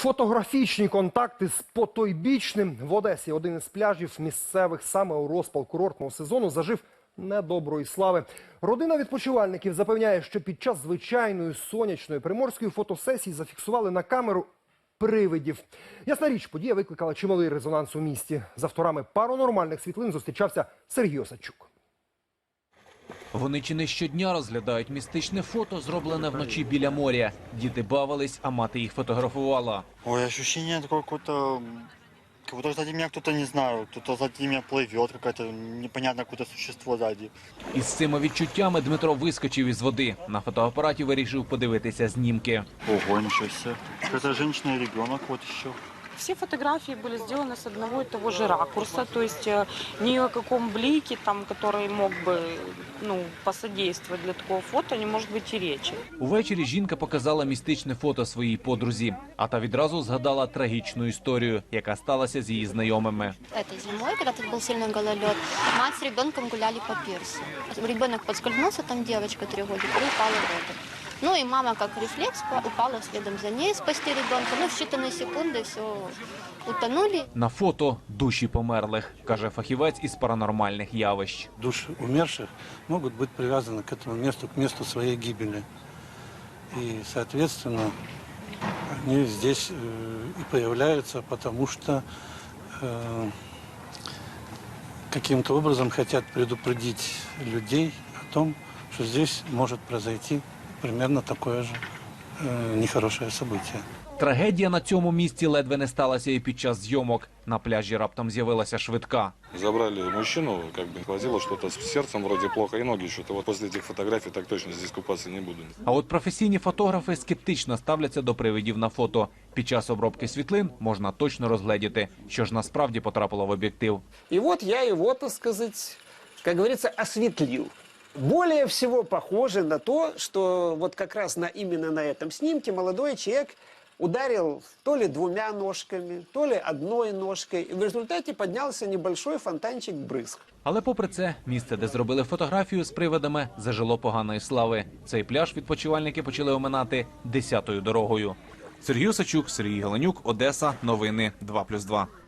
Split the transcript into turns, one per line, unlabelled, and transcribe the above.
Фотографічні контакти з потойбічним. В Одесі один із пляжів місцевих саме у розпал курортного сезону зажив недоброї слави. Родина відпочивальників запевняє, що під час звичайної сонячної приморської фотосесії зафіксували на камеру привидів. Ясна річ, подія викликала чималий резонанс у місті. З авторами паранормальних світлин зустрічався Сергій Осадчук.
Вони чи не щодня розглядають містичне фото, зроблене вночі біля моря. Діти бавились, а мати їх фотографувала.
Ой, ощущение такое какое-то, как будто сзади меня кто-то, не знаю, кто-то сзади меня плывет, какое-то непонятное какое-то существо сзади.
Із цими відчуттями Дмитро вискочив із води. На фотоапараті вирішив подивитися знімки.
Ого, ничего себе. Какая-то женщина и ребенок вот еще.
Все фотографии были сделаны с одного и того же ракурса, то есть ни о каком блике, там, который мог бы посодействовать для такого фото, не может быть и речи.
Увечері жінка показала містичне фото своїй подрузі, а та відразу згадала трагічну історію, яка сталася з її знайомими.
Этой зимой, когда тут был сильный гололед, мать с ребенком гуляли по пирсу. Ребенок подскользнулся, там девочка 3 годика, и упала в воду. Ну и мама, как рефлекс, упала следом за ней спасти ребенка. Ну, в считанные секунды все утонули.
На фото душі померлих, каже фахівець із паранормальних явищ.
Души умерших могут быть привязаны к этому месту, к месту своей гибели. И, соответственно, они здесь и появляются, потому что каким-то образом хотят предупредить людей о том, что здесь может произойти примерно такое же нехорошее событие.
Трагедія на цьому місці ледве не сталася і під час зйомок. На пляжі раптом з'явилася швидка.
Забрали мужчину, как бы хватило что-то с сердцем вроде плохо и ноги что-то. Вот после этих фотографий так точно здесь купаться не буду.
А от професійні фотографи скептично ставляться до привидів на фото. Під час обробки світлин можна точно розгледіти, що ж насправді потрапило в об'єктив.
И вот я его, так сказать, как говорится, осветлил. Более всего похоже на то, что вот как раз именно на этом снимке молодой человек ударил то ли 2 ножками, то ли 1 ножкой. И в результате поднялся небольшой фонтанчик брызг.
Але попри це, місце, де зробили фотографію з привидами, зажило поганої слави. Цей пляж відпочивальники почали оминати 10-ю дорогою. Сергій Осадчук, Сергій Галенюк, Одеса. Новини 2+2.